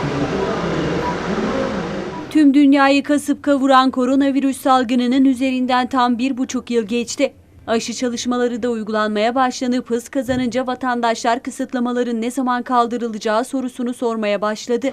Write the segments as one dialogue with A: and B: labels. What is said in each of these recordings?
A: Tüm dünyayı kasıp kavuran koronavirüs salgınının üzerinden tam 1,5 yıl geçti. Aşı çalışmaları da uygulanmaya başlanıp hız kazanınca vatandaşlar kısıtlamaların ne zaman kaldırılacağı sorusunu sormaya başladı.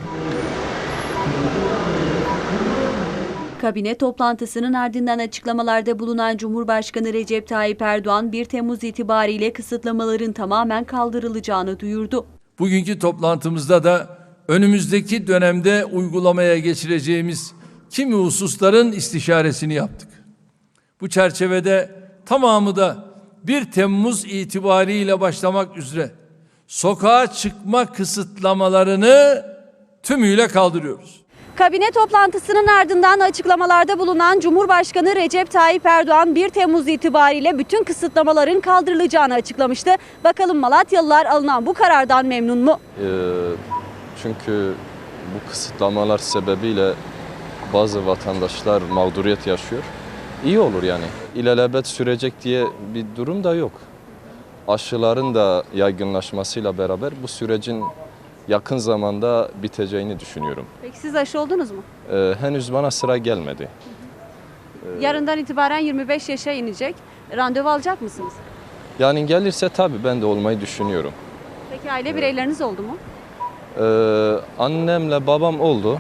A: Kabine toplantısının ardından açıklamalarda bulunan Cumhurbaşkanı Recep Tayyip Erdoğan 1 Temmuz itibariyle kısıtlamaların tamamen kaldırılacağını duyurdu.
B: Bugünkü toplantımızda da önümüzdeki dönemde uygulamaya geçireceğimiz kimi hususların istişaresini yaptık. Bu çerçevede tamamı da 1 Temmuz itibariyle başlamak üzere sokağa çıkma kısıtlamalarını tümüyle kaldırıyoruz.
A: Kabine toplantısının ardından açıklamalarda bulunan Cumhurbaşkanı Recep Tayyip Erdoğan 1 Temmuz itibariyle bütün kısıtlamaların kaldırılacağını açıklamıştı. Bakalım Malatyalılar alınan bu karardan memnun mu?
C: Çünkü bu kısıtlamalar sebebiyle bazı vatandaşlar mağduriyet yaşıyor. İyi olur yani. İlelebet sürecek diye bir durum da yok. Aşıların da yaygınlaşmasıyla beraber bu sürecin yakın zamanda biteceğini düşünüyorum.
A: Peki siz aşı oldunuz mu?
C: Henüz bana sıra gelmedi.
A: Yarından itibaren 25 yaşa inecek. Randevu alacak mısınız?
C: Yani gelirse tabii ben de olmayı düşünüyorum.
A: Peki aile bireyleriniz oldu mu?
C: Annemle babam oldu.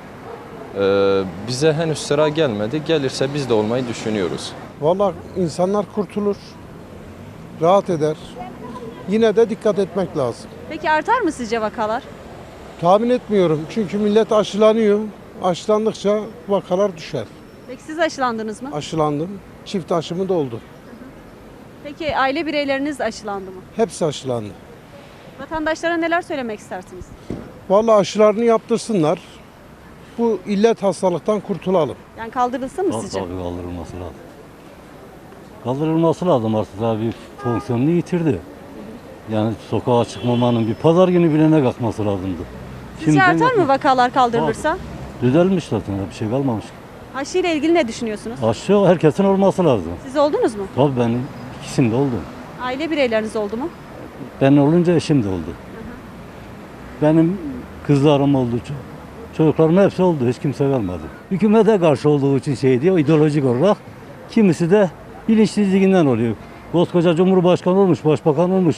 C: Bize henüz sıra gelmedi. Gelirse biz de olmayı düşünüyoruz.
D: Vallahi insanlar kurtulur, rahat eder. Yine de dikkat etmek lazım.
A: Peki artar mı sizce vakalar?
D: Tahmin etmiyorum çünkü millet aşılanıyor. Aşılandıkça vakalar düşer.
A: Peki siz aşılandınız mı?
D: Aşılandım, çift aşımı da oldu.
A: Peki aile bireyleriniz aşılandı mı?
D: Hepsi aşılandı.
A: Vatandaşlara neler söylemek istersiniz?
D: Vallahi aşılarını yaptırsınlar. Bu illet hastalıktan kurtulalım.
A: Yani kaldırılsın mı sizce?
E: Tabii kaldırılması lazım. Kaldırılması lazım artık abi fonksiyonunu yitirdi. Yani sokağa çıkmamanın bir pazar günü bile ne kalkması lazımdı.
A: Sizce artar mı vakalar kaldırılırsa?
E: Düzelmiş zaten bir şey kalmamış.
A: Aşı ile ilgili ne düşünüyorsunuz?
E: Aşı herkesin olması lazım.
A: Siz oldunuz mu?
E: Tabii ben ikisinde oldum.
A: Aile bireyleriniz oldu mu?
E: Ben olunca eşim de oldu. Benim kızlarım oldu. Çocuklarımın hepsi oldu. Hiç kimse kalmadı. Hükümete karşı olduğu için şey diyor, ideolojik olarak. Kimisi de bilinçsizliğinden oluyor. Koskoca Cumhurbaşkanı olmuş, başbakan olmuş,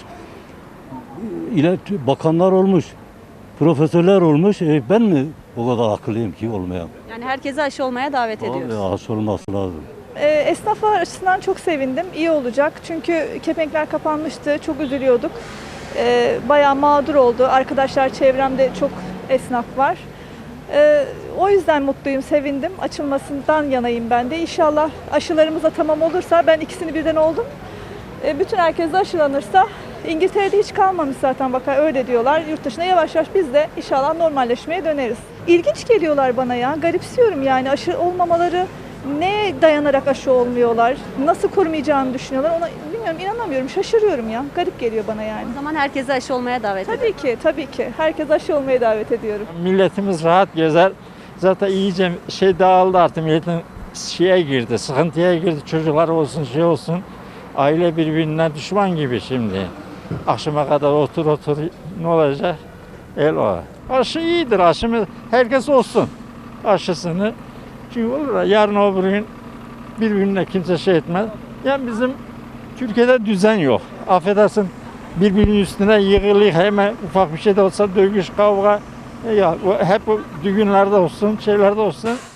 E: bakanlar olmuş, profesörler olmuş. Ben mi o kadar akıllıyım ki olmayan?
A: Yani herkese aşı olmaya davet ediyoruz.
E: Abi aşı olması lazım.
F: Esnaflar açısından çok sevindim. İyi olacak. Çünkü kepenkler kapanmıştı. Çok üzülüyorduk. Bayağı mağdur oldu. Arkadaşlar çevremde çok esnaf var. O yüzden mutluyum, sevindim. Açılmasından yanayım ben de. İnşallah aşılarımız da tamam olursa, ben ikisini birden oldum. Bütün herkes de aşılanırsa, İngiltere'de hiç kalmamış zaten vaka, öyle diyorlar. Yurt dışına yavaş yavaş biz de inşallah normalleşmeye döneriz. İlginç geliyorlar bana ya. Garipsiyorum yani aşı olmamaları. Neye dayanarak aşı olmuyorlar? Nasıl korumayacağını düşünüyorlar? Ona bilmiyorum, inanamıyorum. Şaşırıyorum ya. Garip geliyor bana yani.
A: O zaman herkese aşı olmaya davet ediyoruz.
F: Tabii ki. Herkes aşı olmaya davet ediyorum.
G: Milletimiz rahat gezer. Zaten iyice dağıldı artık. Milletin girdi, sıkıntıya girdi. Çocuklar olsun, olsun. Aile birbirinden düşman gibi şimdi. Akşama kadar otur ne olacak? O. Aşı iyidir, aşımız herkes olsun aşısını. Çünkü olur ya, yarın öbür gün birbirine kimse etmez. Yani bizim Türkiye'de düzen yok. Affedersin, birbirinin üstüne yığılıyor, hemen ufak bir şey de olsa dövüş, kavga. Ya hep bu düğünlerde olsun, şeylerde olsun.